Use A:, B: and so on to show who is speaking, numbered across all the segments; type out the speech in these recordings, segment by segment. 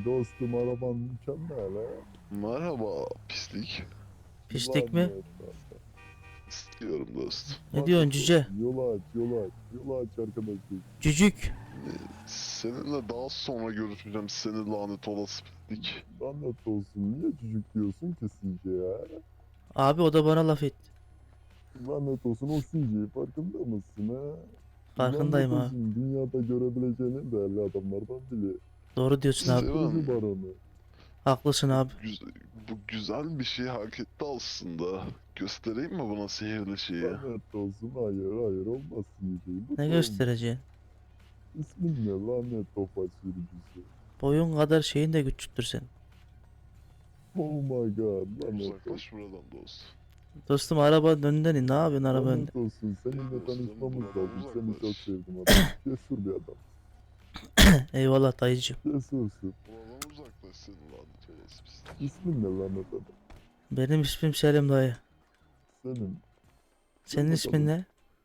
A: dostum, araban mükemmel ha.
B: Merhaba pislik.
C: Pislik mi?
B: İstiyorum dostum.
C: Ne diyorsun cüce?
A: Yola aç, yola aç. Yola aç arkadaşım.
C: Cücük.
B: Seninle daha sonra görüşeceğim seni lanet olası pislik.
A: Lanet olsun. Niye çocuk diyorsun ki CJ ya?
C: Abi o da bana laf etti.
A: Lanet olsun, o CJ farkında mısın ha?
C: Farkındayım
A: Lanet
C: abi.
A: olsun, dünyada görebileceğin en değerli adamlardan biri.
C: Doğru diyorsun abi.
B: Steven,
A: Susturucu baronu.
C: Haklısın abi.
B: bu güzel bir şey hak etti aslında. Göstereyim mi buna sihirli şeyi?
A: Lanet olsun, hayır hayır, olmaz CJ. Bu
C: Ne
A: da
C: göstereceksin?
A: olmaz. İsmin ne, lanet tofaş sürücüsü?
C: Boyun kadar şeyin de küçüktür senin.
A: Oh my god, lanet olsun.
B: Uzaklaş buradan dostum.
C: Dostum arabanın önünden in. Ne yapıyorsun araba önünde?
A: Lanet olsun, seninle
B: Dostum,
A: tanışmamız
B: buradan
A: lazım. Seni
B: uzaklaş.
A: çok sevdim adam. Cesur bir adam.
C: Eyvallah dayıcım.
A: Cesursun.
B: Buradan uzaklaş seni lanet olası pislik.
A: İsmin ne lanet adam?
C: Benim ismim Selim dayı.
A: Senin.
C: Senin ismin ne?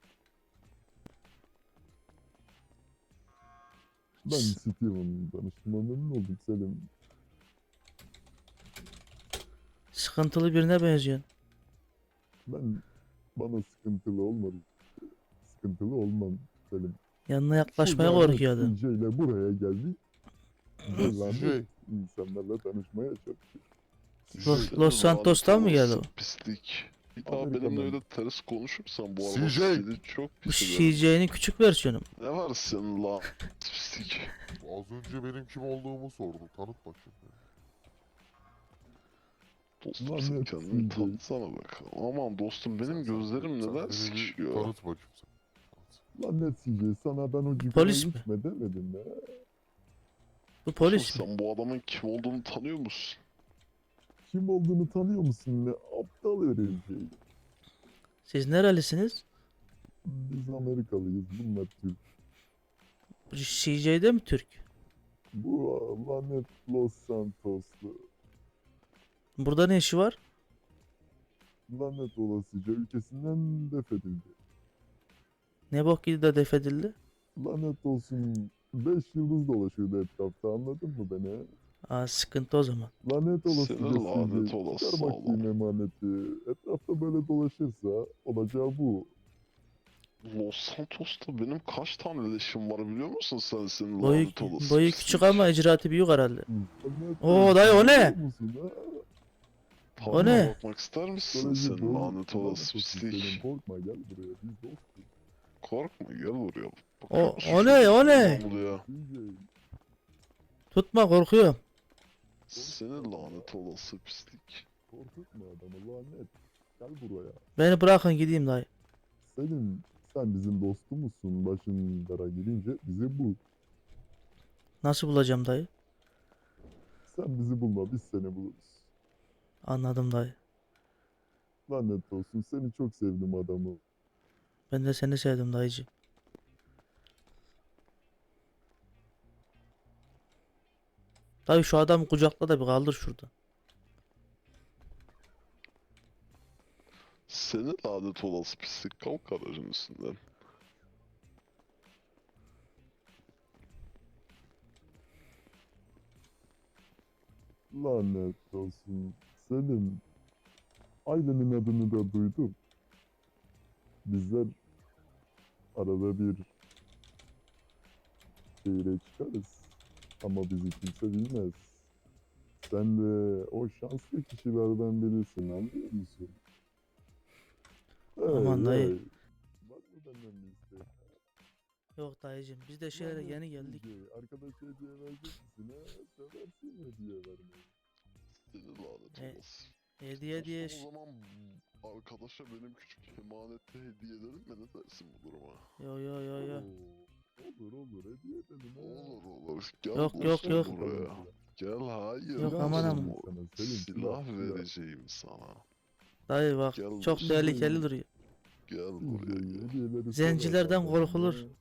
A: Ben Steven. Tanıştığıma memnun oldum Selim.
C: Sıkıntılı birine benziyorsun.
A: Bana sıkıntılı olmadı. Sıkıntılı olmam Selim.
C: Yanına yaklaşmaya
A: Şu lanet
C: korkuyordum.
A: CJ ile buraya geldik. Ve lanet insanlarla tanışmaya çalışıyor.
C: Los Santos'tan mı geldi o?
B: Pislik. Bir daha
A: Amerika'dan.
B: benimle öyle ters konuşursan bu arada
A: CJ.
B: seni çok
C: Bu
B: pis ederim.
C: CJ'nin küçük versiyonu mu?
B: Ne var senin lan pislik?
D: Az önce benim kim olduğumu sordu. Tanıt bakayım.
B: Dostum
A: Lan
B: sen
A: ne
B: kendini
A: CJ?
B: tanıtsana bak. Aman dostum benim gözlerim
D: Sen
B: neden
D: beni bir
B: sıkışıyor?
D: Tanıt bakayım sen. Tanıt.
A: Lanet CJ, sana ben o cigarayı
C: Polis mi?
A: içme demedim mi?
C: Bu polis mi?
B: Sen bu adamın kim olduğunu tanıyor musun?
A: Kim olduğunu tanıyor musun? Ne aptal herif.
C: Siz nerelisiniz?
A: Biz Amerikalıyız, bunlar Türk.
C: Bu CJ'de mi Türk?
A: Bu lanet Los Santoslu.
C: Burada ne işi var?
A: Lanet olasıca ülkesinden defedildi.
C: Ne bok yedi de defedildi?
A: Lanet olsun, 5 yıldız dolaşıyordu etrafta, anladın mı beni?
C: Aa sıkıntı o zaman.
A: Lanet olasıca
B: Senin lanet
A: CJ,
B: olası
A: çıkar bakayım
B: sağlam.
A: emaneti. Etrafta böyle dolaşırsa olacağı bu.
B: Los Santos'ta benim kaç tane leşim var biliyor musun sen senin
C: Boyu,
B: lanet olası
C: boyu
B: pislik?
C: küçük ama icraatı büyük herhalde.
A: Lanet
C: Oo,
A: olsun,
C: dayı, o ne?
A: biliyor musun, ha?
C: O ne?
B: Bakmak ister misin
A: Psikoloji
B: senin
A: bozuk,
B: lanet olası
A: olsun senin,
B: pislik?
A: korkma gel buraya, biz dostuz.
B: Korkma gel buraya.
C: O-
B: musun
C: o ne, o
B: şu
C: ne?
B: İstanbul'a?
A: CJ,
C: Tutma korkuyorum.
B: Senin lanet olası pislik.
A: korkutma adamı, lanet. Gel buraya.
C: Beni bırakın gideyim dayı.
A: Sen bizim dostumuzsun. Başın dara gelince bizi bul.
C: Nasıl bulacağım dayı?
A: Sen bizi bulma, biz seni buluruz.
C: Anladım dayı.
A: Lanet olsun, seni çok sevdim adamı.
C: Ben de seni sevdim dayıcı. Dayı şu adamı kucakla da bir kaldır şurada.
B: Senin lanet olası pislik. Kalk aracın üstünden.
A: Lanet olsun. Senin ailenin adını da duydum. Bizler arada bir şehire çıkarız. Ama bizi kimse bilmez. Sen de o şanslı kişilerden birisin, anlıyor musun?
C: Aman dayı.
A: Var mı benden bir isteğin?
C: Yok dayıcım biz de şehre
A: Lanet
C: yeni geldik.
A: CJ, arkadaşa hediye verecek misin ha? Seversin hediye vermeyi.
B: Senin lanet
C: E,
B: olası.
C: Hediye diye
B: O zaman arkadaşa benim küçük emanette hediye edelim mi? Ne dersin bu duruma?
C: Yo yo yo yo.
A: Oo, olur hediye edelim ha.
B: Olur. Gel
C: Yok,
B: dostum
C: yok.
B: buraya. Gel hayır.
C: Yok,
A: Silah
C: aman
A: vereyim
C: aman.
A: sana, Selim,
B: Silah
A: silah.
B: vereceğim sana.
C: Dayı bak
B: Gel
C: çok
B: dostum.
C: tehlikeli duruyor.
B: Gel
A: CJ,
B: buraya gel.
A: hediyeleri
C: Zencilerden
A: sever
C: korkulur.
A: benden, ha.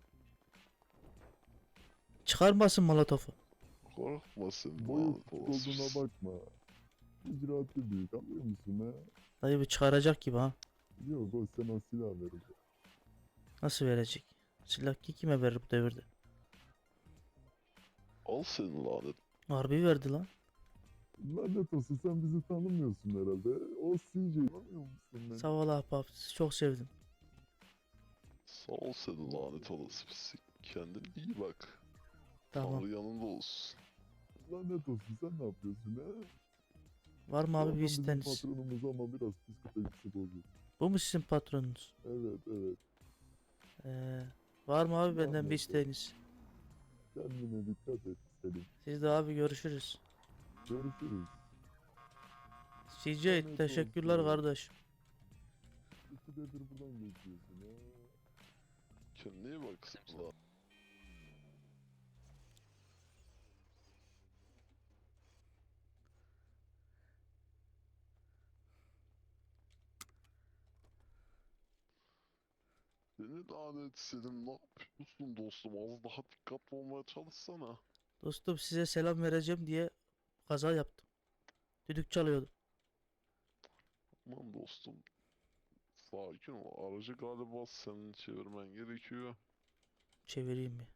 C: Çıkarmasın molotofu.
B: Korkma sen
A: Boyu
B: lanet
A: küçük
B: olası
A: olduğuna
B: pislik.
A: bakma. İcraatı büyük, anlıyor musun ha?
C: Dayı bir çıkaracak gibi ha.
A: Yok, o sana silah verecek.
C: Nasıl verecek? Silah ki kime verir bu devirde?
B: Al senin lanet.
C: Harbi verdi lan.
A: Lanet olsun, sen bizi tanımıyorsun herhalde. O CJ tanımıyor musun beni?
C: Sağ ol ahbap. Sizi çok sevdim.
B: Sağ ol senin lanet olası pislik. Kendine iyi bak.
C: Tamam.
B: Tanrı yanında olsun.
A: Lanet olsun, sen ne yapıyorsun ha?
C: Var mı abi bir
A: Adam bizim
C: isteğiniz?
A: patronumuz ama biraz psikolojisi bozuk.
C: Bu mu sizin patronunuz?
A: Evet evet.
C: Var mı abi benden bir
A: Anladım.
C: isteğiniz?
A: Kendine dikkat et Selim.
C: Siz de abi görüşürüz.
A: Görüşürüz.
C: CJ
A: Lanet
C: teşekkürler
A: olsun.
C: kardeş.
A: İkide bir buradan geçiyorsun ha.
B: Kendine iyi bak Zıpla. Seni lanet Selim, ne yapıyorsun dostum? Az daha dikkatli olmaya çalışsana.
C: Dostum size selam vereceğim diye kaza yaptım. Düdük çalıyordum.
B: Aman dostum. Sakin ol. Aracı galiba senin çevirmen gerekiyor.
C: Çevireyim mi?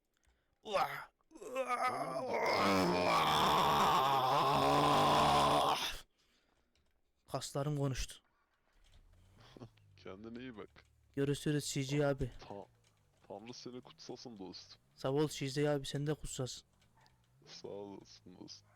C: Kaslarım konuştu.
B: Kendine iyi bak.
C: Görüşürüz CJ abi.
B: Tanrı seni kutsasın dostum.
C: Sağ ol CJ abi sen de kutsasın.
B: Sağ olasın dostum.